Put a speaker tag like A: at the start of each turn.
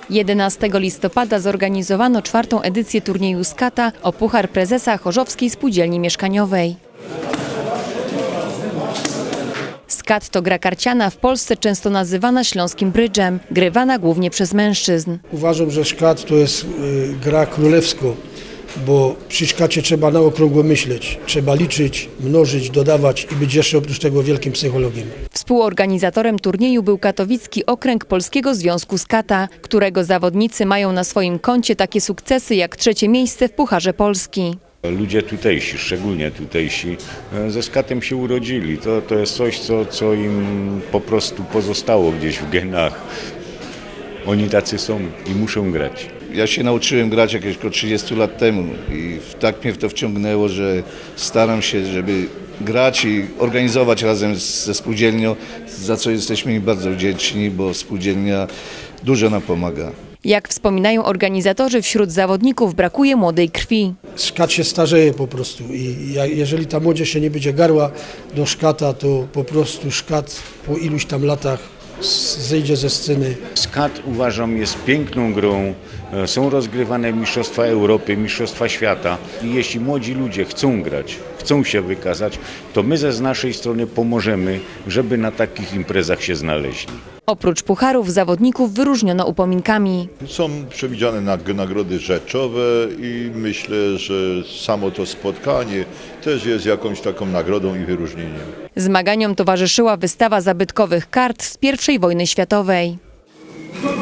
A: 11 listopada zorganizowano 4. edycję turnieju skata o Puchar Prezesa Chorzowskiej Spółdzielni Mieszkaniowej. Skat to gra karciana, w Polsce często nazywana śląskim brydżem, grywana głównie przez mężczyzn.
B: Uważam, że szkat to jest gra królewska, bo przy szkacie trzeba na okrągło myśleć. Trzeba liczyć, mnożyć, dodawać i być jeszcze oprócz tego wielkim psychologiem.
A: Współorganizatorem turnieju był Katowicki Okręg Polskiego Związku Skata, którego zawodnicy mają na swoim koncie takie sukcesy jak 3. miejsce w Pucharze Polski.
C: Ludzie tutejsi, szczególnie tutejsi, ze skatem się urodzili. To jest coś, co im po prostu pozostało gdzieś w genach. Oni tacy są i muszą grać.
D: Ja się nauczyłem grać jakieś około 30 lat temu i tak mnie w to wciągnęło, że staram się, żeby grać i organizować razem ze spółdzielnią, za co jesteśmy im bardzo wdzięczni, bo spółdzielnia dużo nam pomaga.
A: Jak wspominają organizatorzy, wśród zawodników brakuje młodej krwi.
B: Szkat się starzeje po prostu i jeżeli ta młodzież się nie będzie garła do szkata, to po prostu szkat po iluś tam latach zejdzie ze sceny.
C: Skat, uważam, jest piękną grą. Są rozgrywane mistrzostwa Europy, mistrzostwa świata. I jeśli młodzi ludzie chcą grać, chcą się wykazać, to my z naszej strony pomożemy, żeby na takich imprezach się znaleźli.
A: Oprócz pucharów zawodników wyróżniono upominkami.
E: Są przewidziane nagrody rzeczowe i myślę, że samo to spotkanie też jest jakąś taką nagrodą i wyróżnieniem.
A: Zmaganiom towarzyszyła wystawa zabytkowych kart z I wojny światowej.